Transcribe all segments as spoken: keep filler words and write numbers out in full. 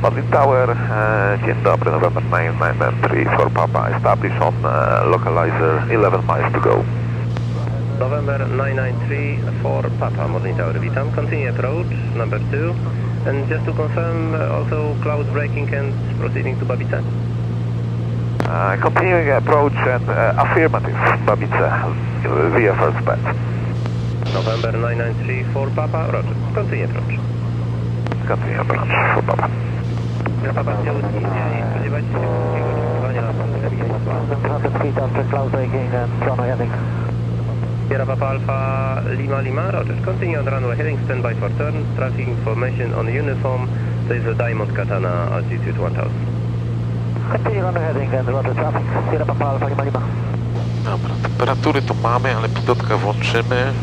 Martin Tower, e, dzień dobry, November nine nine three for Papa, establish on e, localizer eleven miles to go. November nine nine three for Papa, Martin Tower, witam. Continue approach, number two. And just to confirm, uh, also cloud braking and proceeding to Babice? Uh, continuing approach and uh, affirmative, Babice, via first bet. November nine nine three for Papa, roger. Continue approach. Continue approach for Papa. Ja Papa chciał nie spodziewać się szybkiego lądowania na after cloud braking and runway heading. Sierra Papa Alpha Lima Lima, roger. Continue on runway heading, stand by for turn. Traffic information on uniform. To jest Diamond Katana, altitude one thousand. Continue runway heading and roger traffic. Sierra Papa Alpha Lima Lima. Dobra, temperatury to mamy, ale pilotkę włączymy.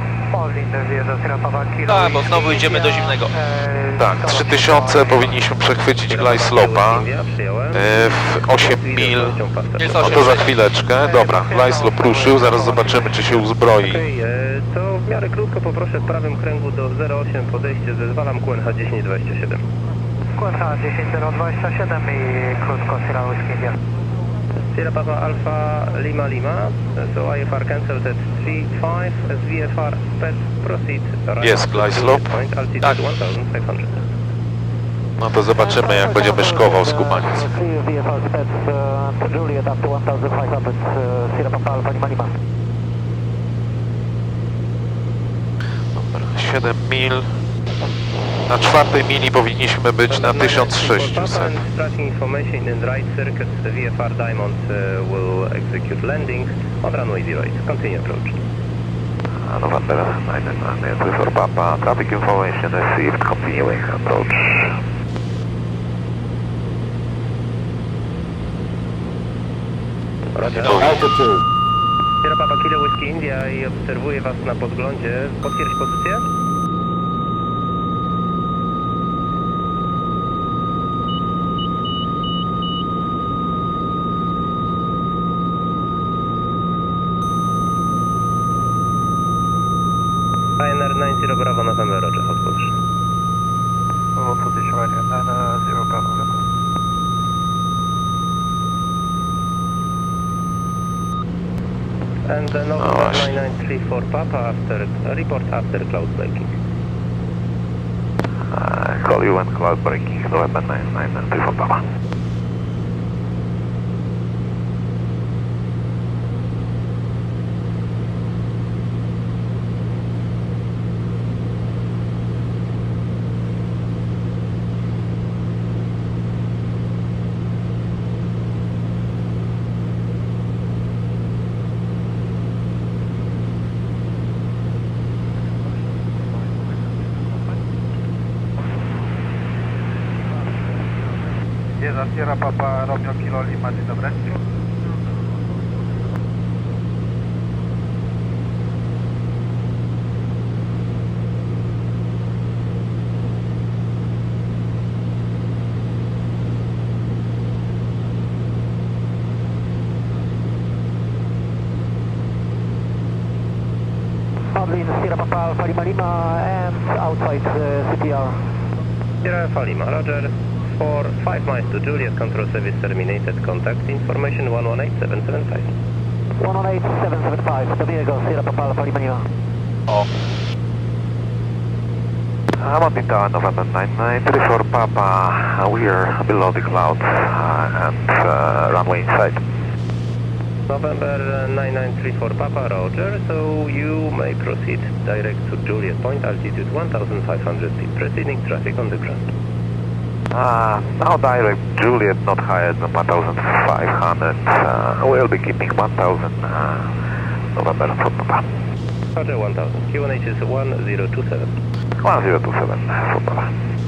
Tak, bo znowu idziemy do zimnego. Tak, trzy tysiące powinniśmy przechwycić glide slopa e, w osiem mil. Jest No osiem. to za chwileczkę. Dobra, glide slop ruszył, zaraz zobaczymy, czy się uzbroi. Okej, okay, to w miarę krótko poproszę w prawym kręgu do zero osiem podejście, zezwalam Q N H dziesięć dwadzieścia siedem. Q N H dziesięć zero dwadzieścia siedem i krótko Sierra Whiskey India. Sierra Papa Alpha Lima Lima, so I F R cancelled at three five, as V F R sped proceed right Jest up to glide Juliet slope. Point, altitude Tak. one thousand five hundred. No to zobaczymy, jak będziemy szkował skubaniec. V F R sped uh, to Juliet up to one thousand five hundred, uh, Sierra Papa Alpha Lima Lima. Dobra, siedem mil. Na czwartej mili powinniśmy być na tysiąc sześćset. Tracking information in right circuit, the V F R Diamond uh, will execute landing on runway zero eight. Continue approach. Uh, November nine nine three for Papa, traffic information received, continuing approach. Roger. Sierra Papa Kilo Whiskey India i obserwuję Was na podglądzie. Potwierdź pozycję. I N R nine zero Bravo November, roger, hot position. Hot position right here, nine zero Bravo November. And uh, November nine nine three for Papa after, uh, report after cloud breaking. Uh, call you and cloud breaking, November nine nine three for Papa. Jest Sierra Papa Romeo Kilo Lima, dzień dobry. Pavlin, Sierra Papa Alpha Lima Lima and outside uh, C P R. Sierra Alpha Lima, roger. For five miles to Juliet, control service terminated. Contact information one one eight seven seven five. one one eight seven seven five, Domingo, Sierra Papa Alpha Lima Lima. O, Uh, Martin Tower, November nine nine three for Papa, uh, we are below the clouds uh, and uh, runway inside. November nine nine three for Papa, roger. So you may proceed direct to Juliet Point, altitude one thousand five hundred feet. Proceeding traffic on the ground. Uh, now direct Juliet not higher than one thousand five hundred. Uh, we'll be keeping one thousand uh, November for Papa. Roger one thousand. Q N H is one zero two seven. one zero two seven for Papa.